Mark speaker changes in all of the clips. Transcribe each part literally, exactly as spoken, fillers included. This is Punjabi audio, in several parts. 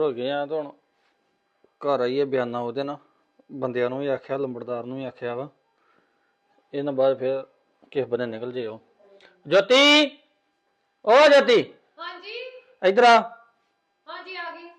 Speaker 1: ਹੋ ਗਏ ਆ ਤਾਂ ਹੁਣ ਘਰ ਆਈਏ ਬਿਆਨਾ ਉਹਦੇ ਨਾਲ ਬੰਦਿਆਂ ਨੂੰ ਵੀ ਆਖਿਆ ਲੰਬੜਦਾਰ ਨੂੰ ਵੀ ਆਖਿਆ ਵਾ ਇਹਨਾਂ ਬਾਅਦ ਫਿਰ ਕਿਸ ਬੰਨੇ ਨਿਕਲ ਜੇ ਉਹ ਜੋਤੀ ਓ ਜੋਤੀ
Speaker 2: ਹਾਂਜੀ
Speaker 1: ਇੱਧਰ ਆ
Speaker 2: ਹਾਂਜੀ ਆ ਗਈ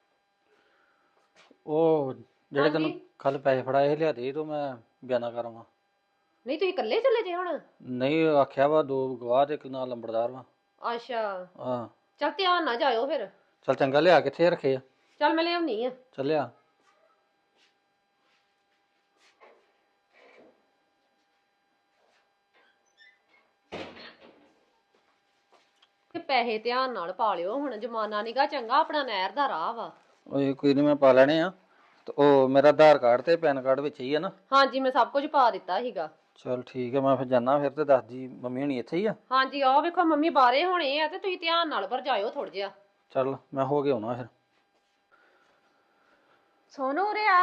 Speaker 1: ਉਹ ਜਿਹੜੇ ਤੈਨੂੰ ਕੱਲ ਪੈਸੇ ਫੜਾਏ ਲਿਆ ਦੇ ਤੂੰ ਮੈਂ ਬਿਆਨਾ ਕਰਾਂਗਾ
Speaker 2: ਨਹੀਂ ਤੁਸੀਂ ਇਕੱਲੇ ਚੱਲੇ ਜੇ ਹੁਣ
Speaker 1: ਨਹੀਂ ਆਖਿਆ ਵਾ ਦੋ ਗਵਾਹ ਤੇ ਇੱਕ ਨਾਲ ਲੰਬੜਦਾਰ ਵਾ
Speaker 2: ਅੱਛਾ
Speaker 1: ਹਾਂ
Speaker 2: ਚੱਲ ਧਿਆਨ ਨਾ ਜਾਇਓ ਫਿਰ
Speaker 1: ਚੱਲ ਚੰਗਾ ਲਿਆ ਕਿੱਥੇ ਰੱਖੇ ਆ
Speaker 2: ਚੱਲ ਮੈਂ ਲਿਆਉਣੀ ਆ
Speaker 1: ਚੱਲਿਆ
Speaker 2: ਤੇ ਪੈਸੇ ਧਿਆਨ ਨਾਲ ਪਾ ਲਿਓ ਹੁਣ ਜ਼ਮਾਨਾ ਨੀਗਾ ਚੰਗਾ ਆਪਣਾ ਨਹਿਰ ਦਾ ਰਾਹ ਵਾ
Speaker 1: ਓਏ ਕੋਈ ਨਹੀਂ ਮੈਂ ਪਾ ਲੈਣੇ ਆ ਤੇ ਉਹ ਮੇਰਾ ਆਧਾਰ ਕਾਰਡ ਤੇ ਪੈਨ ਕਾਰਡ ਵਿੱਚ ਹੀ ਆ ਨਾ
Speaker 2: ਹਾਂਜੀ ਮੈਂ ਸਭ ਕੁਝ ਪਾ ਦਿੱਤਾ ਸੀਗਾ
Speaker 1: ਚਲ ਠੀਕ ਹੈ ਮੈਂ ਫਿਰ ਜਾਣਾ ਫਿਰ ਤੇ ਦੱਸਦੀ ਮੰਮੀ ਹੁਣੀ ਇੱਥੇ ਹੀ ਆ
Speaker 2: ਹਾਂਜੀ ਆਹ ਵੇਖੋ ਮੰਮੀ ਬਾਹਰੇ ਹੋਣੇ ਆ ਤੇ ਤੁਸੀਂ ਧਿਆਨ ਨਾਲ ਪਰ ਜਾਇਓ ਥੋੜਾ ਜਿਹਾ
Speaker 1: ਚੱਲ ਮੈਂ ਹੋ ਕੇ ਆਉਣਾ ਫਿਰ
Speaker 2: ਸੋਨੂ ਉਰੇ ਆ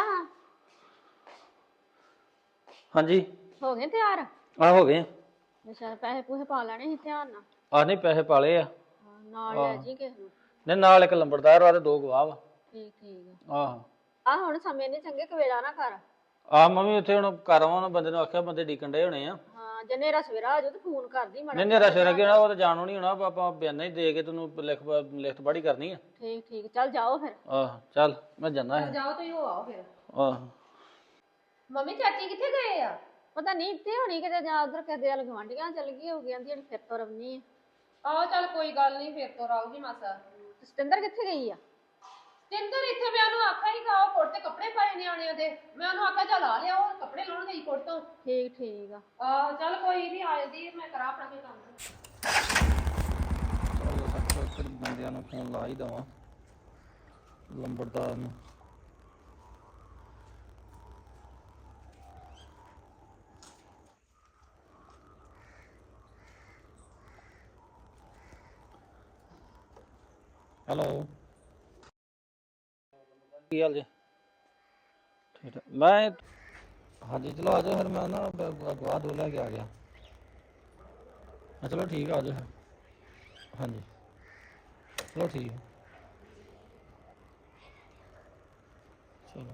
Speaker 1: ਹਾਂਜੀ
Speaker 2: ਹੋ ਗਏ ਤਿਆਰ
Speaker 1: ਆ ਹੋ ਗਏ
Speaker 2: ਅੱਛਾ ਪੈਸੇ ਪੂਸੇ ਪਾ ਲੈਣੇ ਸੀ ਧਿਆਨ ਨਾਲ
Speaker 1: ਆ ਨਹੀਂ ਪੈਸੇ ਪਾਲੇ ਆ
Speaker 2: ਨਾਲ ਲੈ ਜੀ ਕਿਸੇ ਨੂੰ
Speaker 1: ਨਹੀਂ ਨਾਲ ਇੱਕ ਲੰਬੜਦਾਰ ਵਾ ਤੇ ਦੋ ਗਵਾਹ ਵਾ
Speaker 2: ਠੀਕ ਠੀਕ
Speaker 1: ਆਹ
Speaker 2: ਆ ਹੁਣ ਸਮੇਂ ਨਹੀਂ ਚੰਗੇ ਕਵੇਲਾ ਨਾ ਕਰ
Speaker 1: ਆ ਮੰਮੀ ਉੱਥੇ ਹੁਣ ਘਰ ਆਉਣ ਬੰਦੇ ਨੂੰ ਆਖਿਆ ਬੰਦੇ ਡੀਕਣ ਡੇ ਹੋਣੇ ਆ
Speaker 2: ਹਾਂ ਜੇ ਨੇਰਾ ਸਵੇਰਾ ਆ ਜਾਓ ਤੇ ਫੋਨ ਕਰਦੀ ਮਾੜਾ
Speaker 1: ਨਹੀਂ ਨੇਰਾ ਸਵੇਰਾ ਕੀ ਹੋਣਾ ਉਹ ਤਾਂ ਜਾਣੋ ਨਹੀਂ ਹੋਣਾ ਆਪਾਂ ਬਿਆਨਾ ਹੀ ਦੇ ਕੇ ਤੈਨੂੰ ਲਿਖ ਲਿਖਤ ਪੜ੍ਹੀ ਕਰਨੀ ਆ
Speaker 2: ਠੀਕ ਠੀਕ ਚੱਲ ਜਾਓ ਫਿਰ
Speaker 1: ਆਹ ਚੱਲ ਮੈਂ ਜਾਣਾ ਹੈ
Speaker 2: ਜਾਓ ਤੁਸੀਂ ਹੋ ਆਓ ਫਿਰ
Speaker 1: ਆਹ
Speaker 2: ਮੰਮੀ ਚਾਚੀ ਕਿੱਥੇ ਗਏ ਆ ਪਤਾ ਨਹੀਂ ਇੱਥੇ ਹੋਣੀ ਕਿਤੇ ਜਾਂ ਉਧਰ ਕਿਤੇ ਵੱਲ ਗਵਾਂਢੀਆਂ ਚੱਲ ਗਈ ਹੋ ਗਈ ਜਿਹੜੀ ਫਿਰ ਤੋਂ ਰਵਨੀ ਆਹੋ ਚੱਲ ਕੋਈ ਗੱਲ ਨਹੀਂ ਫਿਰ ਤੋਂ ਆਊਗੀ ਮਾਸਾ ਸਤਿੰਦਰ ਕਿੱਥੇ ਗਈ ਆ ਸਤਿੰਦਰ ਇੱਥੇ ਮੈਂ ਉਹਨੂੰ ਆਖਿਆ ਹੀ ਗਾ ਕੋਟ ਤੇ ਕੱਪੜੇ ਪਾਏ ਨਿਆਣਿਆਂ ਦੇ ਮੈਂ ਉਹਨੂੰ ਆਖਿਆ ਚੱਲ ਆ ਲਿਆ ਉਹ ਕੱਪੜੇ ਲਾਉਣ ਗਈ ਕੋਟ ਤੋਂ ਠੀਕ ਠੀਕ ਆ ਆਹ ਚੱਲ ਕੋਈ ਨਹੀਂ ਆ ਜਾਂਦੀ ਮੈਂ ਕਰਾਂ ਆਪਣਾ ਕੋਈ ਕੰਮ
Speaker 1: ਚੱਲ ਫਿਰ ਬੰਦਿਆਂ ਨੂੰ ਫੋਨ ਲਾ ਹੀ ਦਵਾਂ ਲੰਬੜਦਾਰ ਨੂੰ ਹੈਲੋ ਕੀ ਹਾਲ ਜੀ ਠੀਕ ਹੈ ਮੈਂ ਹਾਂਜੀ ਚਲੋ ਆ ਜਾਓ ਫਿਰ ਮੈਂ ਨਾ ਗਵਾਹ ਦੋ ਲੈ ਕੇ ਆ ਗਿਆ ਹਾਂ ਚਲੋ ਠੀਕ ਆ ਆ ਜਾਓ ਫਿਰ ਹਾਂਜੀ ਚਲੋ ਠੀਕ ਹੈ ਚਲੋ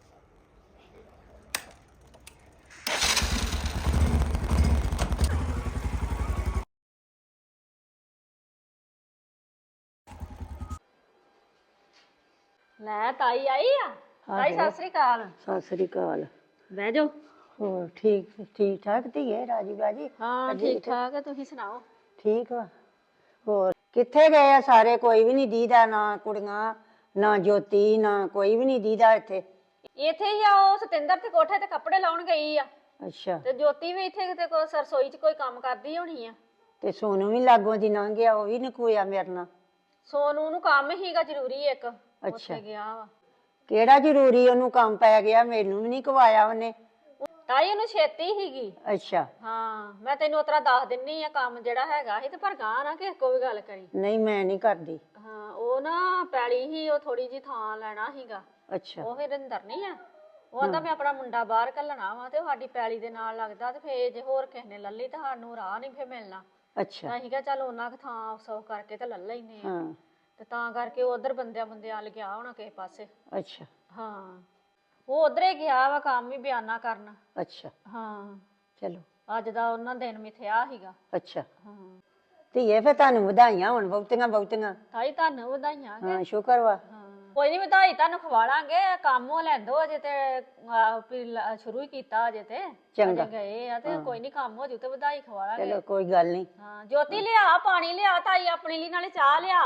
Speaker 2: ਲੈ ਤਾਈ ਆਈ ਆ ਤਾਈ ਸਤਿ ਸ੍ਰੀ ਅਕਾਲ
Speaker 3: ਸਤਿ ਸ੍ਰੀ ਅਕਾਲ
Speaker 2: ਬਹਿ ਜਾਓ
Speaker 3: ਹੋਰ ਠੀਕ ਠੀਕ ਠਾਕ ਧੀਏ ਰਾਜੀ ਬਾਜੀ
Speaker 2: ਹਾਂ ਠੀਕ ਠਾਕ ਹੈ ਤੁਸੀਂ ਸੁਣਾਓ
Speaker 3: ਠੀਕ ਵਾ ਹੋਰ ਕਿੱਥੇ ਗਏ ਆ ਸਾਰੇ ਕੋਈ ਵੀ ਨਹੀਂ ਦੀਦਾ ਨਾ ਕੁੜੀਆਂ ਨਾ ਜੋਤੀ ਨਾ ਕੋਈ ਵੀ ਨਹੀਂ ਦੀਦਾ ਇੱਥੇ
Speaker 2: ਇੱਥੇ ਹੀ ਆ ਉਹ ਸਤਿੰਦਰ ਤੇ ਕੋਠੇ ਤੇ ਕੱਪੜੇ ਲਾਉਣ ਗਈ ਆ
Speaker 3: ਅੱਛਾ
Speaker 2: ਤੇ ਜੋਤੀ ਵੀ ਇੱਥੇ ਕਿਤੇ ਕੋਈ ਰਸੋਈ 'ਚ ਕੋਈ ਕੰਮ ਕਰਦੀ ਹੋਣੀ ਆ
Speaker 3: ਤੇ ਸੋਨੂੰ ਵੀ ਲਾਗੋਂ ਦੀ ਲੰਘ ਗਿਆ ਉਹ ਵੀ ਨਕੋਇਆ ਮੇਰੇ ਨਾਲ
Speaker 2: ਸੋਨੂੰ ਨੂੰ ਕੰਮ ਹੀਗਾ ਜ਼ਰੂਰੀ ਇੱਕ
Speaker 3: ਅੱਛਾ
Speaker 2: ਉੱਥੇ ਗਿਆ ਵਾ
Speaker 3: ਕਿਹੜਾ ਜ਼ਰੂਰੀ ਉਹਨੂੰ ਕੰਮ ਪੈ ਗਿਆ ਮੈਨੂੰ ਵੀ ਨਹੀਂ ਕਵਾਇਆ ਉਹਨੇ
Speaker 2: ਤਾਈ ਉਹਨੂੰ ਛੇਤੀ ਹੀਗੀ
Speaker 3: ਅੱਛਾ
Speaker 2: ਹਾਂ ਮੈਂ ਤੈਨੂੰ ਉਤਰਾ ਦੱਸ ਦਿੰਨੀ ਆ ਕੰਮ ਜਿਹੜਾ ਹੈਗਾ ਸੀ ਤੇ ਪਰ ਗਾਂ ਨਾ ਕਿਸੇ ਕੋ ਵੀ ਗੱਲ ਕਰੀ
Speaker 3: ਨਹੀਂ ਮੈਂ ਨਹੀਂ ਕਰਦੀ
Speaker 2: ਹਾਂ ਉਹ ਨਾ ਪੈਲੀ ਹੀ ਉਹ ਥੋੜੀ ਜੀ ਥਾਂ ਲੈਣਾ ਹੀਗਾ
Speaker 3: ਅੱਛਾ
Speaker 2: ਉਹ ਫਿਰ ਅੰਦਰ ਨਹੀਂ ਆ ਉਹ ਆਂਦਾ ਮੈਂ ਆਪਣਾ ਮੁੰਡਾ ਬਾਹਰ ਘੱਲਣਾ ਵਾ ਤੇ ਉਹ ਸਾਡੀ ਪੈਲੀ ਦੇ ਨਾਲ ਲੱਗਦਾ ਤੇ ਫੇਰ ਜੇ ਹੋਰ ਕਿਸੇ ਨੇ ਲੱਲੀ ਤਾਂ ਸਾਨੂੰ ਰਾਹ ਨਹੀਂ ਫੇਰ ਮਿਲਣਾ
Speaker 3: ਅੱਛਾ
Speaker 2: ਅਸੀਂ ਕਿਹਾ ਚੱਲ ਉਹਨਾਂ ਕੁ ਥਾਂ ਸੌ ਕਰਕੇ ਤੇ ਲੈ ਲੈਨੇ ਆ
Speaker 3: ਹਾਂ
Speaker 2: ਤੇ ਤਾਂ ਕਰਕੇ ਉਧਰ ਬੰਦਿਆਂ ਬੰਦਿਆਂ ਵੱਲ ਗਿਆ ਹੋਣਾ ਕਿਸੇ ਪਾਸੇ
Speaker 3: ਅੱਛਾ
Speaker 2: ਹਾਂ ਉਹ ਉਧਰੇ ਗਿਆ ਵਾ ਕੰਮ ਵੀ ਬਿਆਨਾ ਕਰਨ
Speaker 3: ਅੱਛਾ
Speaker 2: ਹਾਂ
Speaker 3: ਚਲੋ
Speaker 2: ਅੱਜ ਦਾ ਉਹਨਾਂ ਦਿਨ ਮਿਥਿਆ ਸੀਗਾ
Speaker 3: ਅੱਛਾ
Speaker 2: ਹਾਂ
Speaker 3: ਧੀਏ ਫਿਰ ਤੁਹਾਨੂੰ ਵਧਾਈਆਂ ਹੁਣ ਬਹੁਤੀਆਂ ਬਹੁਤੀਆਂ
Speaker 2: ਤਾਈ ਤੁਹਾਨੂੰ ਵਧਾਈਆਂ
Speaker 3: ਹਾਂ ਸ਼ੁਕਰ ਵਾ
Speaker 2: ਹਾਂ ਕੋਈ ਨਹੀਂ ਵਧਾਈ ਤੁਹਾਨੂੰ ਖਵਾਲਾਂਗੇ ਕੰਮ ਉਹ ਲੈਂਦੋ ਅਜੇ ਤੇ ਆਹ ਵੀ ਲ- ਸ਼ੁਰੂ ਹੀ ਕੀਤਾ ਅਜੇ ਤੇ
Speaker 3: ਚੰਗਾ।
Speaker 2: ਅਜੇ ਗਏ ਆ ਤੇ ਕੋਈ ਨਹੀਂ ਕੰਮ ਹੋ ਜੂ ਤੇ ਵਧਾਈ ਖਵਾਲਾਂਗੇ
Speaker 3: ਚਲੋ ਕੋਈ ਗੱਲ ਨਹੀਂ
Speaker 2: ਹਾਂ ਜੋਤੀ ਲਿਆ ਪਾਣੀ ਲਿਆ ਤਾਈ ਆਪਣੇ ਲਈ ਨਾਲੇ ਚਾਹ ਲਿਆ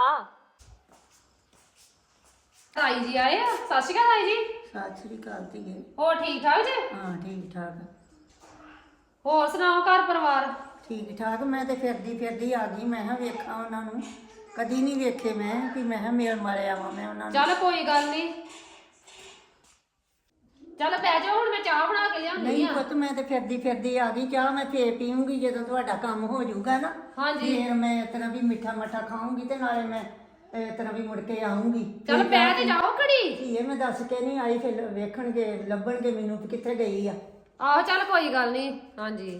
Speaker 2: ਤਾਈ ਜੀ ਆਏ ਆ ਸਤਿ ਸ਼੍ਰੀ ਅਕਾਲ ਤਾਈ ਜੀ
Speaker 3: ਸਤਿ ਸ੍ਰੀ ਅਕਾਲ ਧੀਏ
Speaker 2: ਹੋਰ ਠੀਕ ਠਾਕ ਜੀ
Speaker 3: ਹਾਂ ਠੀਕ ਠਾਕ
Speaker 2: ਹੋਰ ਸੁਣਾਓ ਘਰ ਪਰਿਵਾਰ
Speaker 3: ਠੀਕ ਠਾਕ ਮੈਂ ਤੇ ਫਿਰਦੀ ਫਿਰਦੀ ਆ ਗਈ ਮੈਂ ਕਿਹਾ ਵੇਖਾਂ ਉਹਨਾਂ ਨੂੰ ਕਦੀ ਨਹੀਂ ਵੇਖੇ ਮੈਂ ਕਿ ਮੈਂ ਕਿਹਾ ਮੇਲ ਮਾਰੇ ਆਵਾਂ ਮੈਂ ਉਹਨਾਂ ਨੂੰ
Speaker 2: ਚੱਲ ਕੋਈ ਗੱਲ ਨਹੀਂ ਚੱਲ ਬਹਿ ਜਾਓ ਹੁਣ ਮੈਂ ਚਾਹ ਬਣਾ ਕੇ ਲਿਆਉਂਦੀ
Speaker 3: ਨਹੀਂ
Speaker 2: ਆ
Speaker 3: ਪੁੱਤ ਮੈਂ ਤੇ ਫਿਰਦੀ ਫਿਰਦੀ ਆ ਗਈ ਚਾਹ ਮੈਂ ਫੇਰ ਪੀਉਂਗੀ ਜਦੋਂ ਤੁਹਾਡਾ ਕੰਮ ਹੋ ਜਾਊਗਾ ਨਾ
Speaker 2: ਹਾਂਜੀ
Speaker 3: ਫੇਰ ਮੈਂ ਇਸ ਤਰ੍ਹਾਂ ਵੀ ਮਿੱਠਾ ਮੱਠਾ ਖਾਊਂਗੀ ਤੇ ਨਾਲੇ ਮੈਂ ਇਸ ਤਰ੍ਹਾਂ ਵੀ ਮੁੜ ਕੇ ਆਉਂਗੀ
Speaker 2: ਚੱਲ ਬਹਿ ਤੇ ਜਾਓ ਘੜੀ
Speaker 3: ਧੀਏ ਮੈਂ ਦੱਸ ਕੇ ਨਹੀਂ ਆਈ ਫਿਰ ਵੇਖਣਗੇ ਲੱਭਣਗੇ ਮੈਨੂੰ ਕਿ ਕਿੱਥੇ ਗਈ ਆ
Speaker 2: ਆਹੋ ਚੱਲ ਕੋਈ ਗੱਲ ਨਹੀਂ ਹਾਂਜੀ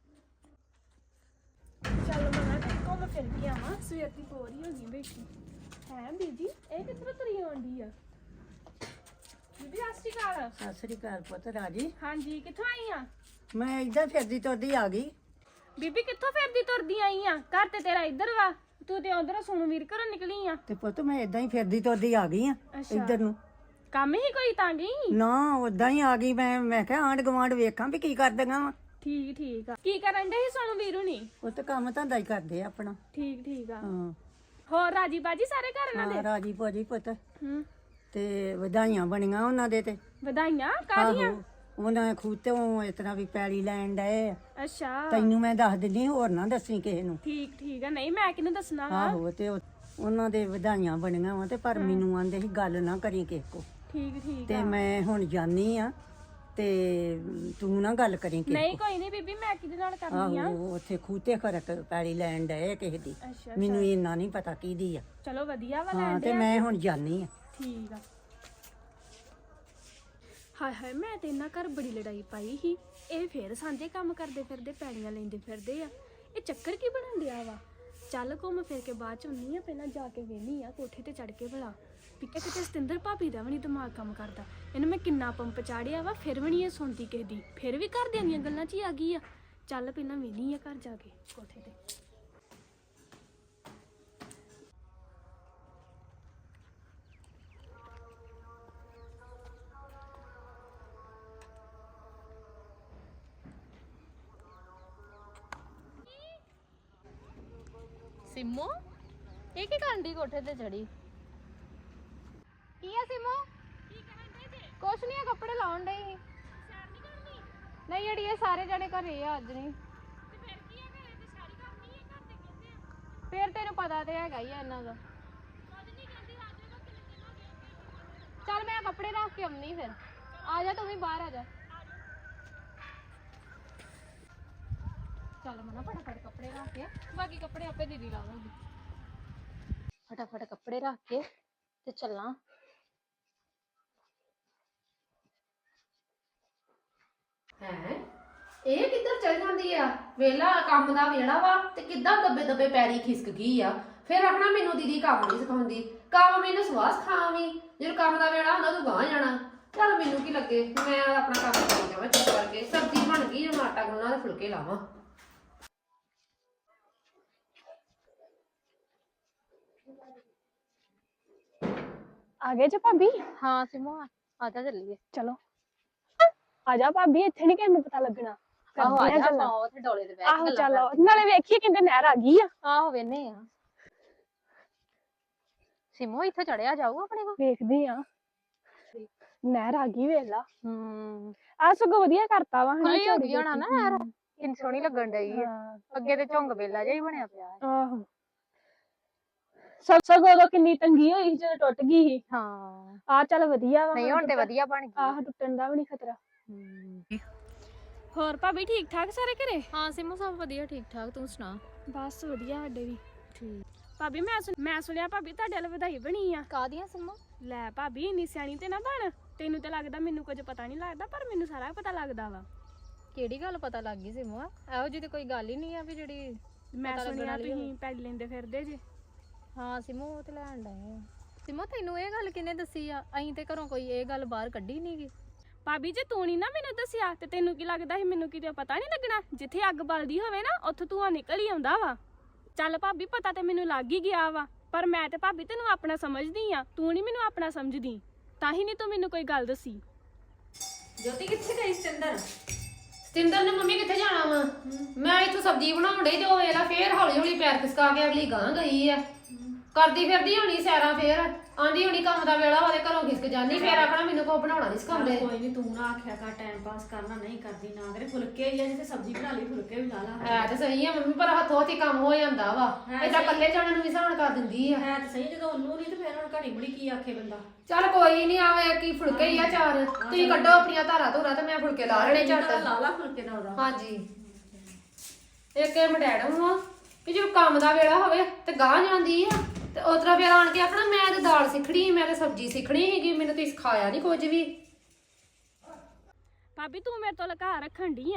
Speaker 4: ਚੱਲ ਮੈਂ ਘੁੰਮ ਫਿਰ ਕੇ ਆਵਾਂ ਸਵੇਰ ਦੀ ਬੋਰ ਹੀ ਹੋ ਗਈ ਬੈਠੀ ਹੈ ਬੀਬੀ ਇਹ ਕਿੱਥੋਂ ਤੁਰੀ ਆਉਂਦੀ ਆ ਬੀਬੀ ਸਤਿ ਸ਼੍ਰੀ ਅਕਾਲ
Speaker 3: ਸਤਿ ਸ੍ਰੀ ਅਕਾਲ ਪੁੱਤ ਰਾਜੀ।
Speaker 4: ਹਾਂਜੀ ਕਿੱਥੋਂ ਆਈ ਆ
Speaker 3: ਮੈਂ ਇੱਧਰ ਫਿਰਦੀ ਤੁਰਦੀ ਆ ਗਈ।
Speaker 4: ਬੀਬੀ ਕਿੱਥੋਂ ਫਿਰਦੀ ਤੁਰਦੀ ਆਈ ਆ ਘਰ ਤੇ ਤੇਰਾ ਇੱਧਰ ਵਾ ਤੂੰ ਤੇ ਉਧਰ ਸੁਣੂ ਵੀਰ ਘਰੋਂ ਨਿਕਲੀ ਆ
Speaker 3: ਤੇ ਪੁੱਤ ਮੈਂ ਇਦਾਂ ਹੀ ਫਿਰਦੀ ਤੁਰਦੀ ਆ ਗਈ ਆ ਇੱਧਰ ਨੂੰ।
Speaker 4: ਕੰਮ ਹੀ ਕੋਈ ਤਾਂ ਗਈ
Speaker 3: ਨਾ ਉਦਾਂ ਹੀ ਆ ਗਈ ਮੈਂ ਮੈਂ ਕਿਹਾ ਆਂਢ ਗੁਆਂਢ ਵੇਖਾਂ ਵੀ ਕੀ ਕਰਦੀਆਂ ਵਾ।
Speaker 4: ਠੀਕ ਠੀਕ ਆ ਕੀ ਕਰਨ ਦੇ ਸੀ ਸੁਣੂ ਵੀਰੂ ਨੀ
Speaker 3: ਉਹ ਤੇ ਕੰਮ ਧੰਦਾ ਹੀ ਕਰਦੇ ਆ ਆਪਣਾ।
Speaker 4: ਠੀਕ ਠੀਕ ਆ
Speaker 3: ਹਾਂ
Speaker 4: ਹੋਰ ਰਾਜੀ ਬਾਜੀ ਸਾਰੇ ਘਰ ਇਹਨਾਂ
Speaker 3: ਹਾਂ
Speaker 4: ਦੇ
Speaker 3: ਰਾਜੀ ਭਾਜੀ ਪੁੱਤ
Speaker 4: ਹੂੰ
Speaker 3: ਤੇ ਵਧਾਈਆਂ ਬਣੀਆਂ ਉਹਨਾਂ ਦੇ ਤੇ।
Speaker 4: ਵਧਾਈਆਂ ਕਾਹਦੀਆਂ
Speaker 3: ਆਹੋ ਉਹਨਾਂ ਖੂਤੋਂ ਇਸ ਤਰ੍ਹਾਂ ਵੀ ਪੈਲੀ ਲੈਣ ਡਏ ਆ।
Speaker 4: ਅੱਛਾ
Speaker 3: ਤੈਨੂੰ ਮੈਂ ਦੱਸ ਦਿੰਦੀ ਹੋਰ ਨਾ ਦੱਸੀ ਕਿਸੇ ਨੂੰ।
Speaker 4: ਠੀਕ ਠੀਕ ਆ ਨਹੀਂ ਮੈਂ ਕਿਹਨੂੰ ਦੱਸਣਾ ਵਾ
Speaker 3: ਆਹੋ ਤੇ ਉਹ- ਉਹਨਾਂ ਦੇ ਵਧਾਈਆਂ ਬਣੀਆਂ ਵਾ ਤੇ ਪਰ ਮੈਨੂੰ ਆਂਦੇ ਸੀ ਗੱਲ ਨਾ ਕਰੀ ਕਿਸੇ ਕੋ।
Speaker 4: ਠੀਕ ਠੀਕ
Speaker 3: ਤੇ ਮੈਂ ਹੁਣ ਜਾਨੀ ਆ ਤੇ ਤੂੰ ਨਾ ਗੱਲ ਕਰੀ ਕਿਸੇ
Speaker 4: ਨਹੀਂ ਕੋਈ ਨਹੀਂ ਬੀਬੀ ਮੈਂ ਕਿਹਦੇ ਨਾਲ
Speaker 3: ਕੋ।
Speaker 4: ਕਰਨੀ ਆ
Speaker 3: ਆਹੋ ਉੱਥੇ ਖੂਤੇ ਖਰਕ ਪੈਲੀ ਲੈਣ ਡਏ ਕਿਸੇ ਦੀ।
Speaker 4: ਅੱਛਾ
Speaker 3: ਮੈਨੂੰ ਇੰਨਾ ਨਹੀਂ ਪਤਾ ਕਿਹਦੀ ਆ।
Speaker 4: ਚਲੋ ਵਧੀਆ ਵਾ
Speaker 3: ਹਾਂ
Speaker 4: ਲੈਣ
Speaker 3: ਤੇ
Speaker 4: ਦੇ
Speaker 3: ਮੈਂ ਹੁਣ ਜਾਨੀ ਆ।
Speaker 4: ਠੀਕ ਆ ਹਾਏ ਹਾਏ ਮੈਂ ਤੇ ਇਹਨਾਂ ਘਰ ਬੜੀ ਲੜਾਈ ਪਾਈ ਸੀ ਇਹ ਫੇਰ ਸਾਂਝੇ ਕੰਮ ਕਰਦੇ ਫਿਰਦੇ ਪੈੜੀਆਂ ਲੈਂਦੇ ਫਿਰਦੇ ਆ ਇਹ ਚੱਕਰ ਕੀ ਬਣਨ ਡਿਆ ਵਾ ਚੱਲ ਘੁੰਮ ਫਿਰ ਕੇ ਬਾਅਦ ਚ ਹੁੰਨੀ ਆ ਪਹਿਲਾਂ ਜਾ ਕੇ ਵੇਹਨੀ ਆ ਕੋਠੇ ਤੇ ਚੜ ਕੇ ਭਲਾ ਵੀ ਕਿਤੇ ਸਤਿੰਦਰ ਭਾਬੀ ਦਾ ਵੀ ਨਹੀਂ ਦਿਮਾਗ ਕੰਮ ਕਰਦਾ ਇਹਨੂੰ ਮੈਂ ਕਿੰਨਾ ਪੰਪ ਚਾੜਿਆ ਵਾ ਫਿਰ ਵੀ ਨਹੀਂ ਇਹ ਸੁਣਦੀ ਕਿਸੇ ਦੀ ਫਿਰ ਵੀ ਘਰਦਿਆਂ ਦੀਆਂ ਗੱਲਾਂ 'ਚ ਹੀ ਆ ਗਈ ਆ ਚੱਲ ਪਹਿਲਾਂ ਵੇਹਨੀ ਆ ਘਰ ਜਾ ਕੇ ਕੋਠੇ ਤੇ
Speaker 2: ਸਿੰਮੋ ਇਹ ਕੀ ਕਰਨ ਦੀ ਕੋਠੇ ਤੇ ਚੜੀ ਕੀ ਆ ਸਿੰਮੋ
Speaker 4: ਕੀ ਕਰਨ ਦੇ ਜੇ
Speaker 2: ਕੁਛ ਨਹੀਂ ਆ ਕੱਪੜੇ ਲਾਉਣ ਡਈ ਸੀ
Speaker 4: ਸੈਰ ਨਹੀਂ ਕਰਨੀ
Speaker 2: ਨਹੀਂ ਅੜੀ ਇਹ ਸਾਰੇ ਜਣੇ ਘਰੇ ਆ ਅੱਜ ਨਹੀਂ
Speaker 4: ਤੇ ਫਿਰ ਕੀ ਹੈ ਘਰੇ ਤੇ ਸਾਰੀ ਕਰਨੀ ਹੈ ਘਰ ਦੇ ਕਹਿੰਦੇ ਆ
Speaker 2: ਫੇਰ ਤੈਨੂੰ ਪਤਾ ਤੇ ਹੈਗਾ ਹੀ ਆ ਇਹਨਾਂ ਦਾ
Speaker 4: ਕੁਝ ਨਹੀਂ ਕਹਿੰਦੀ ਰਾਜੇ ਦਾ ਕਿੰਨੇ ਦਿਨ ਹੋ ਗਏ
Speaker 2: ਚੱਲ ਮੈਂ ਕੱਪੜੇ ਰੱਖ ਕੇ ਆਉਣੀ ਫਿਰ ਆ ਜਾ ਤੂੰ ਵੀ ਬਾਹਰ ਆ ਜਾ ਚੱਲ ਮਨਾ ਫਟਾਫਟ ਕੱਪੜੇ ਰੱਖ ਕੇ ਬਾਕੀ ਕੱਪੜੇ ਆਪੇ ਦੀਦੀ ਲਾਵਾਂਗੀ ਫਟਾਫਟ ਕੱਪੜੇ ਰੱਖ ਕੇ ਤੇ ਚੱਲਾਂ
Speaker 5: ਹੈ ਇਹ ਕਿੱਧਰ ਚਲ ਜਾਂਦੀ ਆ ਵੇਲਾ ਕੰਮ ਦਾ ਵੇੜਾ ਵਾ ਤੇ ਕਿੱਦਾਂ ਦੱਬੇ ਦੱਬੇ ਪੈਰੀ ਖਿਸਕ ਗਈ ਆ ਫਿਰ ਆਖਣਾ ਮੈਨੂੰ ਦੀਦੀ ਕੰਮ ਨਹੀਂ ਸਿਖਾਉਂਦੀ ਕੰਮ ਮੈਨੂੰ ਸਵਾਸ ਖਾਵੀਂ ਜਦੋਂ ਕੰਮ ਦਾ ਵੇੜਾ ਹੁੰਦਾ ਤੂੰ ਗਾਂ ਜਾਣਾ ਚੱਲ ਮੈਨੂੰ ਕੀ ਲੱਗੇ ਮੈਂ ਆਪਣਾ ਕੰਮ ਕਰੀ ਜਾਵਾਂ ਚੁੱਪ ਕਰਕੇ ਸਬਜ਼ੀ ਬਣ ਗਈ ਹੁਣ ਆਟਾ ਗੁੰਨਣਾ ਤੇ ਫੁਲਕੇ ਲਾਵਾਂ
Speaker 4: ਆ ਗਏ ਜੇ ਭਾਬੀ
Speaker 2: ਹਾਂ ਸਿਮੋ ਆ ਜਾ ਚੱਲੀਏ
Speaker 4: ਚਲੋ ਆ ਜਾ ਭਾਬੀ ਇੱਥੇ ਨਹੀਂ ਕਿਸੇ ਨੂੰ ਪਤਾ ਲੱਗਣਾ
Speaker 2: ਆਹੋ ਆ
Speaker 4: ਕਰਦੇ ਆ
Speaker 2: ਜਾ
Speaker 4: ਗੱਲਾਂ।
Speaker 2: ਆਪਾਂ ਉੱਥੇ ਡੋਲੇ ਤੇ ਬੈਠ
Speaker 4: ਆਹੋ ਚੱਲ ਨਾਲੇ ਵੇਖੀਏ ਕਿੰਨੇ ਨਹਿਰ ਆ ਗਈ ਆ
Speaker 2: ਆਹੋ ਵੇਨੇ ਆ ਸਿਮੋ ਇੱਥੇ ਚੜਿਆ ਜਾਊ ਆਪਣੇ ਕੋ
Speaker 4: ਵੇਖਦੀ ਆ ਨਹਿਰ ਆ ਗਈ ਵੇਲਾ
Speaker 2: ਹੂੰ
Speaker 4: ਆ ਸਗੋਂ ਵਧੀਆ ਕਰਤਾ ਵਾ ਹਨਾ
Speaker 2: ਖੁੱਲੀ ਹੋ
Speaker 4: ਝਾੜੀ
Speaker 2: ਗਈ ਹੋਣਾ ਨਾ
Speaker 4: ਜਿਹੀ।
Speaker 2: ਯਾਰ ਕਿੰਨੀ ਸੋਹਣੀ ਲੱਗਣ ਡਈ ਆ
Speaker 4: ਹਾਂ,
Speaker 2: ਅੱਗੇ ਤੇ ਝੁੰਗ ਵੇਲਾ ਜਿਹਾ ਹੀ ਬਣਿਆ ਪਿਆ ਹੈ।
Speaker 4: ਆਹੋ ਸਭ ਸਗੋਂ ਉਦੋਂ ਕਿੰਨੀ ਤੰਗੀ ਹੋਈ ਸੀ ਜਦੋਂ ਟੁੱਟ ਗਈ ਸੀ
Speaker 2: ਹਾਂ
Speaker 4: ਆ ਚੱਲ ਵਧੀਆ ਵਾ
Speaker 2: ਨਹੀਂ ਹੁਣ ਤੇ
Speaker 4: ਟੁੱਟਣ-
Speaker 2: ਵਧੀਆ ਬਣ ਗਈ
Speaker 4: ਆਹ ਟੁੱਟਣ ਦਾ ਵੀ ਨਹੀਂ ਖਤਰਾ
Speaker 2: ਹੂੰ।
Speaker 4: ਹੋਰ ਭਾਬੀ ਠੀਕ ਠਾਕ ਸਾਰੇ ਘਰੇ
Speaker 2: ਹਾਂ ਸਿਮੋ ਸਭ ਵਧੀਆ ਠੀਕ ਠਾਕ ਤੂੰ ਸੁਣਾ
Speaker 4: ਬਸ ਵਧੀਆ ਸਾਡੇ ਵੀ
Speaker 2: ਠੀਕ
Speaker 4: ਭਾਬੀ ਮੈਂ ਸੁਣ- ਮੈਂ ਸੁਣਿਆ ਭਾਬੀ ਤੁਹਾਡੇ ਵੱਲ ਵਧਾਈ ਬਣੀ ਆ
Speaker 2: ਕਾਹਦੀਆਂ ਸਿਮੋ
Speaker 4: ਲੈ ਭਾਬੀ ਇੰਨੀ ਸਿਆਣੀ ਤੇ ਨਾ ਬਣ ਤੈਨੂੰ ਤੇ ਲੱਗਦਾ ਮੈਨੂੰ ਕੁਝ ਪਤਾ ਨਹੀਂ ਲੱਗਦਾ ਪਰ ਮੈਨੂੰ ਸਾਰਾ ਪਤਾ ਲੱਗਦਾ ਵਾ
Speaker 2: ਕਿਹੜੀ ਗੱਲ ਪਤਾ ਲੱਗ ਗਈ ਸਿਮੋ ਇਹੋ ਜਿਹੀ ਤੇ ਕੋਈ ਗੱਲ ਹੀ ਨਹੀਂ ਆ ਵੀ ਜਿਹੜੀ
Speaker 4: ਮੈਂ
Speaker 2: ਪਤਾ ਲੱਗਣ
Speaker 4: ਸੁਣਿਆ
Speaker 2: ਵਾਲੀ
Speaker 4: ਤੁਸੀਂ ਪੈੜ ਲੈਂਦੇ ਫਿਰਦੇ ਜੇ
Speaker 2: ਹਾਂ ਸਿਮੋ ਉਹ ਤੇ ਲੈਣ ਡਏ ਆ ਸਿਮੋ ਤੈਨੂੰ ਇਹ ਗੱਲ ਕਿਹਨੇ ਦੱਸੀ ਆ ਅਸੀਂ ਤੇ ਘਰੋਂ ਕੋਈ ਇਹ ਗੱਲ ਬਾਹਰ ਕੱਢੀ ਨੀ ਗੀ
Speaker 4: ਭਾਬੀ ਜੇ ਤੂੰ ਨਹੀਂ ਨਾ ਮੈਨੂੰ ਦੱਸਿਆ ਤੇ ਤੈਨੂੰ ਕੀ ਲੱਗਦਾ ਸੀ ਮੈਨੂੰ ਕਿਤੇ ਪਤਾ ਨਹੀਂ ਲੱਗਣਾ ਜਿੱਥੇ ਅੱਗ ਬਲਦੀ ਹੋਵੇ ਨਾ ਉੱਥੋਂ ਧੂੰਆਂ ਨਿਕਲ ਹੀ ਆਉਂਦਾ ਵਾ ਚੱਲ ਭਾਬੀ ਪਤਾ ਤੇ ਮੈਨੂੰ ਲੱਗ ਹੀ ਗਿਆ ਵਾ ਪਰ ਮੈਂ ਤੇ ਭਾਬੀ ਤੈਨੂੰ ਆਪਣਾ ਸਮਝਦੀ ਆ ਤੂੰ ਨਹੀਂ ਮੈਨੂੰ ਆਪਣਾ ਸਮਝਦੀ ਤਾਂ ਹੀ ਨਹੀਂ ਤੂੰ ਮੈਨੂੰ ਕੋਈ ਗੱਲ ਦੱਸੀ
Speaker 5: ਜੋਤੀ ਕਿੱਥੇ ਗਈ ਸਤਿੰਦਰ ਸਤਿੰਦਰ ਨੇ ਮੰਮੀ ਕਿੱਥੇ ਜਾਣਾ ਵਾ ਮੈਂ ਇੱਥੋਂ ਸਬਜ਼ੀ ਬਣਾਉਣ ਡਈ ਤੇ ਉਹ ਵੇਲਾ ਫੇਰ ਹੌਲੀ ਹੌਲੀ ਪੈਰ ਖਿਸਕਾ ਕੇ ਅਗਲੀ ਗਾਂ ਗਈ ਆ ਕਰਦੀ ਫਿਰਦੀ ਹੋਣੀ ਸੈਰਾਂ ਫੇਰ ਆਂਦੀ ਹੋਣੀ ਕੰਮ ਦਾ ਵੇਲਾ ਵਾਲੇ ਘਰੋਂ ਖਿਸਕ ਜਾਨੀ ਫੇਰ ਆਖਣਾ ਮੈਨੂੰ ਕੋ ਬਣਾਉਣਾ ਨਹੀਂ ਸਿਖਾਉਂਦੇ
Speaker 6: ਕੋਈ ਨਹੀਂ ਤੂੰ ਨਾ ਆਖਿਆ ਕਰ ਟਾਈਮ ਪਾਸ ਕਰਨਾ ਨਹੀਂ ਕਰਦੀ ਨਾ ਕਰੇ ਫੁਲਕੇ ਹੀ ਆ ਜਿੱਥੇ ਸਬਜ਼ੀ ਬਣਾ ਲਈ ਫੁਲਕੇ ਵੀ ਲਾ ਲਾ
Speaker 5: ਹੈ ਤੇ ਸਹੀ ਆ ਮੰਮੀ ਪਰ ਹੱਥੋਂ ਹੱਥੀ ਕੰਮ ਹੋ ਜਾਂਦਾ ਵਾ
Speaker 6: ਹੈ
Speaker 5: ਏਦਾਂ
Speaker 6: ਸਹੀ।
Speaker 5: ਇਕੱਲੇ ਜਾਣੇ ਨੂੰ ਵੀ ਸਹਾਨ ਕਰ ਦਿੰਦੀ ਆ
Speaker 6: ਹੈ ਤਾਂ ਸਹੀ ਜਦੋਂ ਉਹਨੂੰ ਨਹੀਂ ਤੇ ਫਿਰ ਹੁਣ ਘੜੀ ਬੜੀ ਕੀ ਆਖੇ ਬੰਦਾ
Speaker 5: ਚੱਲ ਕੋਈ ਨਹੀਂ ਆਵੇ ਕੀ ਫੁਲਕੇ ਹੀ ਆ ਚਾਰ ਤੁਸੀਂ ਕੱਢੋ ਆਪਣੀਆਂ ਧਾਰਾਂ ਧੂਰਾਂ ਤੇ ਮੈਂ ਫੁਲਕੇ ਲਾ ਲੈਣੇ ਝੱਟ
Speaker 6: ਲਾ ਲਾ ਫੁਲਕੇ ਦਾ ਉਹਦਾ
Speaker 5: ਹਾਂਜੀ ਇੱਕ ਇਹ ਮਡੈਡਮ ਵਾ ਕਿ ਜੋ ਕੰਮ ਦਾ ਵੇਲਾ ਹੋਵੇ ਤੇ ਗਾਂ ਜਾਂਦੀ ਆ ਤੇ ਉਤਰਾ ਫੇਰ ਆਣ ਕੇ ਆਖਣਾ ਮੈਂ ਤੇ ਦਾਲ ਸਿੱਖਣੀ ਮੈਂ ਤੇ ਸਬਜ਼ੀ ਸਿੱਖਣੀ ਹੈਗੀ ਮੈਨੂੰ ਤੁਸੀਂ ਸਿਖਾਇਆ ਨਹੀਂ ਕੁਝ ਵੀ
Speaker 4: ਭਾਬੀ ਤੂੰ ਮੇਰੇ ਤੋਂ ਲੁਕਾ ਰੱਖਣ ਡਈ ਆ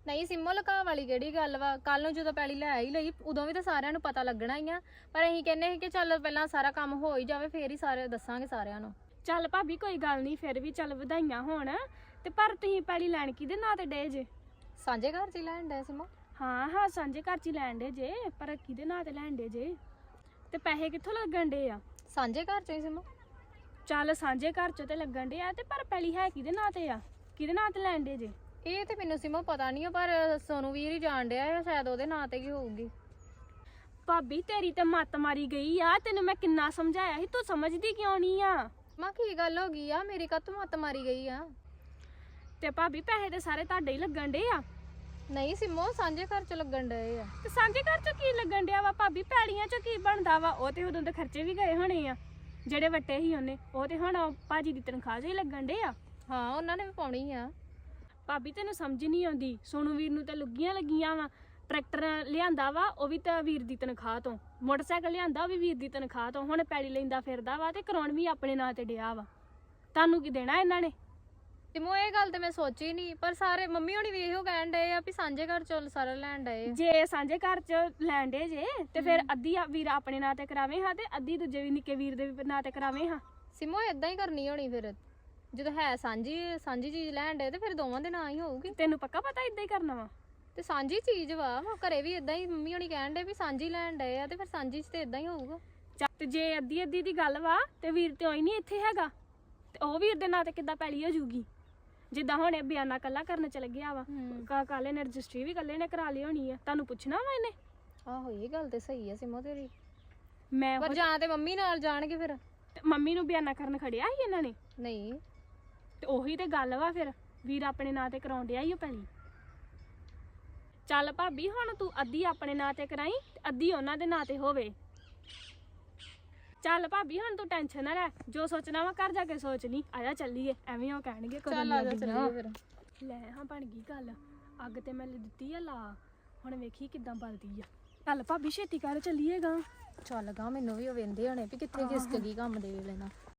Speaker 7: ਨਹੀਂ ਸਿੰਮੋ ਲੁਕਾ ਵਾਲੀ ਕਿਹੜੀ ਗੱਲ ਵਾ, ਕੱਲ ਨੂੰ ਜਦੋਂ ਪੈਲੀ ਲੈ ਹੀ ਲਈ ਉਦੋਂ ਵੀ ਤਾਂ ਸਾਰਿਆਂ ਨੂੰ ਪਤਾ ਲੱਗਣਾ ਹੀ ਆ। ਪਰ ਅਸੀਂ ਕਹਿੰਦੇ ਸੀ ਕਿ ਚੱਲ ਪਹਿਲਾਂ ਸਾਰਾ ਕੰਮ ਹੋ ਹੀ ਜਾਵੇ ਫੇਰ ਹੀ ਸਾਰੇ ਦੱਸਾਂਗੇ ਸਾਰਿਆਂ ਨੂੰ।
Speaker 4: ਚੱਲ ਭਾਬੀ ਕੋਈ ਗੱਲ ਨਹੀਂ, ਫਿਰ ਵੀ ਚੱਲ ਵਧਾਈਆਂ ਹੋਣ। ਤੇ ਪਰ ਤੁਸੀਂ ਪੈਲੀ ਲੈਣ ਕਿਹਦੇ ਨਾਂ ਤੇ ਡੇ ਜੇ?
Speaker 7: ਸਾਂਝੇ ਘਰ ਚ ਹੀ ਲੈਣ ਡਏ ਸਿੰਮੋ।
Speaker 4: ਹਾਂ ਹਾਂ ਸਾਂਝੇ ਘਰ ਚ ਹੀ ਲੈਣ ਡੇ ਜੇ, ਪਰ ਕਿਹਦੇ ਨਾਂ ਤੇ ਲੈਣ ਡੇ ਜੇ? ਤੇ ਪੈਸੇ ਕਿੱਥੋਂ ਲੱਗਣ ਡੇ ਆ?
Speaker 7: ਸਾਂਝੇ ਘਰ ਚ ਹੀ ਸਿੰਮੋ।
Speaker 4: ਚੱਲ ਸਾਂਝੇ ਘਰ ਚ ਤੇ ਲੱਗਣ ਡੇ ਆ, ਤੇ ਪਰ ਪੈਲੀ ਹੈ ਕਿਹਦੇ ਨਾਂ ਤੇ ਆ? ਕਿਹਦੇ ਨਾਂ ਤੇ ਲੈਣ ਡੇ ਜੇ?
Speaker 7: ਇਹ ਤੇ ਮੈਨੂੰ ਸਿੰਮੋ ਪਤਾ ਨਹੀਂ ਆ, ਪਰ ਸੋਨੂੰ ਵੀਰ ਹੀ ਜਾਣ ਡਿਆ ਆ, ਸ਼ਾਇਦ ਉਹਦੇ ਨਾਂ ਤੇ ਹੀ ਹੋਊਗੀ।
Speaker 4: ਭਾਬੀ ਤੇਰੀ ਤੇ ਮੱਤ ਮਾਰੀ ਗਈ ਆ, ਤੈਨੂੰ ਮੈਂ ਕਿੰਨਾ ਸਮਝਾਇਆ ਸੀ, ਤੂੰ ਸਮਝਦੀ ਕਿਉਂ ਨਹੀਂ ਆ?
Speaker 7: ਮਾਂ ਕੀ ਗੱਲ ਹੋ ਗਈ ਆ, ਮੇਰੀ ਕੱਤ ਮੱਤ ਮਾਰੀ ਗਈ ਆ।
Speaker 4: ਤੇ ਭਾਬੀ ਪੈਸੇ ਤੇ ਸਾਰੇ ਤੁਹਾਡੇ ਹੀ ਲੱਗਣ ਡੇ ਆ।
Speaker 7: ਨਹੀਂ ਸਿੰਮੋ ਸਾਂਝੇ ਘਰ ਚ ਲੱਗਣ ਡਏ ਆ।
Speaker 4: ਤੇ ਸਾਂਝੇ ਘਰ ਚ ਕੀ ਲੱਗਣ ਡਿਆ ਵਾ ਭਾਬੀ? ਪੈੜੀਆਂ ਚ ਕੀ ਬਣਦਾ ਵਾ? ਉਹ ਤੇ ਉਦੋਂ ਦੇ ਖਰਚੇ ਵੀ ਗਏ ਹੋਣੇ ਆ ਜਿਹੜੇ ਵੱਟੇ ਸੀ ਉਹਨੇ, ਉਹ ਤੇ ਹੁਣ ਭਾਜੀ ਦੀ ਤਨਖਾਹ 'ਚ ਹੀ ਲੱਗਣ ਡੇ ਆ।
Speaker 7: ਹਾਂ ਉਹਨਾਂ ਨੇ ਵੀ ਪਾਉਣੀ ਆ।
Speaker 4: ਭਾਬੀ ਤੈਨੂੰ ਸਮਝ ਨਹੀਂ ਆਉਂਦੀ, ਸੋਨੂੰ ਵੀਰ ਨੂੰ ਤਾਂ ਲੁੱਗੀਆਂ ਲੱਗੀਆਂ ਵਾ। ਟਰੈਕਟਰ ਲਿਆਂਦਾ ਵਾ ਉਹ ਵੀ ਤਾਂ ਵੀਰ ਦੀ ਤਨਖਾਹ ਤੋਂ, ਮੋਟਰਸਾਈਕਲ ਲਿਆਂਦਾ ਉਹ ਵੀ ਵੀਰ ਦੀ ਤਨਖਾਹ ਤੋਂ, ਹੁਣ ਪੈੜੀ ਲੈਂਦਾ ਫਿਰਦਾ ਵਾ ਤੇ ਕਰਾਉਣ ਵੀ ਆਪਣੇ ਨਾਂ ਤੇ ਡਿਆ ਵਾ। ਤੁਹਾਨੂੰ ਕੀ ਦੇਣਾ ਇਹਨਾਂ ਨੇ?
Speaker 7: ਸਿੰਮੋ ਇਹ ਗੱਲ ਤੇ ਮੈਂ ਸੋਚੀ ਨਹੀਂ, ਪਰ ਸਾਰੇ ਮੰਮੀ ਹੋਣੀ ਵੀ ਇਹੋ ਕਹਿਣ ਡਏ ਆ ਵੀ ਸਾਂਝੇ ਘਰ ਚੋਂ ਸਾਰਾ ਲੈਣ ਡਏ ਆ।
Speaker 4: ਜੇ ਸਾਂਝੇ ਘਰ ਚ ਲੈਣ ਡੇ ਜੇ ਤੇ ਫਿਰ ਅੱਧੀ ਆ ਵੀਰ ਆਪਣੇ ਨਾਂ ਤੇ ਕਰਾਵੇ ਹਾਂ, ਤੇ ਅੱਧੀ ਦੂਜੇ ਵੀ ਨਿੱਕੇ ਵੀਰ ਦੇ ਵੀ ਨਾਂ ਤੇ ਕਰਾਵੇ ਹਾਂ।
Speaker 7: ਸਿੰਮੋ ਇਦਾਂ ਹੀ ਕਰਨੀ ਹੋਣੀ ਫਿਰ, ਜਦੋਂ ਹੈ ਸਾਂਝੀ ਸਾਂਝੀ ਚੀਜ਼ ਲੈਣ ਡਏ ਤੇ ਫਿਰ ਦੋਵਾਂ ਦੇ ਨਾਂ ਹੀ ਹੋਊਗੀ।
Speaker 4: ਤੈਨੂੰ ਪੱਕਾ ਪਤਾ ਇਦਾਂ ਹੀ ਕਰਨਾ ਵਾ?
Speaker 7: ਤੇ ਸਾਂਝੀ ਚੀਜ਼ ਵਾ, ਉਹ ਘਰੇ ਵੀ ਇਦਾਂ ਹੀ ਮੰਮੀ ਹੋਣੀ ਕਹਿਣ ਡਏ ਵੀ ਸਾਂਝੀ ਲੈਣ ਡਏ ਆ, ਤੇ ਫਿਰ ਸਾਂਝੀ ਚ ਤੇ ਇਦਾਂ ਹੀ ਹੋਊਗਾ।
Speaker 4: ਚੱਲ ਤੇ ਜੇ ਅੱਧੀ ਅੱਧੀ ਦੀ ਗੱਲ ਵਾ ਤੇ ਵੀਰ ਤੇ ਹੋਈ ਨਹੀਂ ਇੱਥੇ ਹੈਗਾ, ਤੇ ਉਹ ਵੀਰ ਦੇ ਨਾਂ ਤੇ ਕਿੱਦਾਂ ਪੈਲੀ ਹੋ ਜੂਗੀ? ਜਿੱਦਾਂ ਹੁਣ ਇਹ ਬਿਆਨਾ ਕੱਲਾ ਕਰਨ ਚਲ ਗਿਆ ਵਾ, ਕਾਲੇ ਨੇ ਰਜਿਸਟਰੀ ਵੀ ਕੱਲੇ ਨੇ ਕਰਾ ਲਈ ਹੋਣੀ ਆ, ਤੁਹਾਨੂੰ ਪੁੱਛਣਾ ਵਾ ਇਹਨੇ?
Speaker 7: ਆਹੋ ਇਹ ਗੱਲ ਤੇ ਸਹੀ ਆ ਸਿੰਮੋ ਤੇਰੀ,
Speaker 4: ਮੈਂ
Speaker 7: ਪਰ ਜਾਂ ਤੇ ਮੰਮੀ ਨਾਲ ਜਾਣਗੇ ਫਿਰ।
Speaker 4: ਤੇ ਮੰਮੀ ਨੂੰ ਬਿਆਨਾ ਕਰਨ ਖੜਿਆ ਸੀ ਇਹਨਾਂ ਨੇ?
Speaker 7: ਨਹੀਂ
Speaker 4: ਤੇ ਉਹੀ ਤੇ ਗੱਲ ਵਾ, ਫਿਰ ਵੀਰ ਆਪਣੇ ਨਾਂ ਤੇ ਕਰਾਉਣ ਡਿਆ ਹੀ ਉਹ ਪੈਲੀ। ਚੱਲ ਭਾਬੀ ਹੁਣ ਤੂੰ ਅੱਧੀ ਆਪਣੇ ਨਾਂ ਤੇ ਕਰਾਈ ਤੇ ਅੱਧੀ ਉਹਨਾਂ ਦੇ ਨਾਂ ਤੇ ਹੋਵੇ। ਚੱਲ ਭਾਬੀ ਹੁਣ ਤੂੰ ਟੈਨਸ਼ਨ ਨਾ ਲੈ, ਜੋ ਸੋਚਣਾ ਵਾ ਘਰ ਜਾ ਕੇ ਸੋਚ ਲਈ। ਆਇਆ ਚੱਲੀਏ, ਐਵੇਂ ਉਹ ਕਹਿਣਗੇ
Speaker 7: ਚੱਲ ਆ ਜਾ ਚੱਲੀਏ ਫਿਰ।
Speaker 4: ਲੈ ਹਾਂ ਬਣ ਗਈ ਗੱਲ, ਅੱਗ ਤੇ ਮੈਂ ਦਿੱਤੀ ਆ ਲਾ, ਹੁਣ ਵੇਖੀ ਕਿੱਦਾਂ ਬਲਦੀ ਆ। ਚੱਲ ਭਾਬੀ ਛੇਤੀ ਕਰ ਚੱਲੀਏਗਾ।
Speaker 7: ਚੱਲ ਗਾ, ਮੈਨੂੰ ਵੀ ਉਹ ਵੇਂਦੇ ਹੋਣੇ ਵੀ ਕਿੱਥੇ ਖਿਸਕ ਗਈ ਕੰਮ ਦੇ ਵੇਲੇ ਨਾਲ।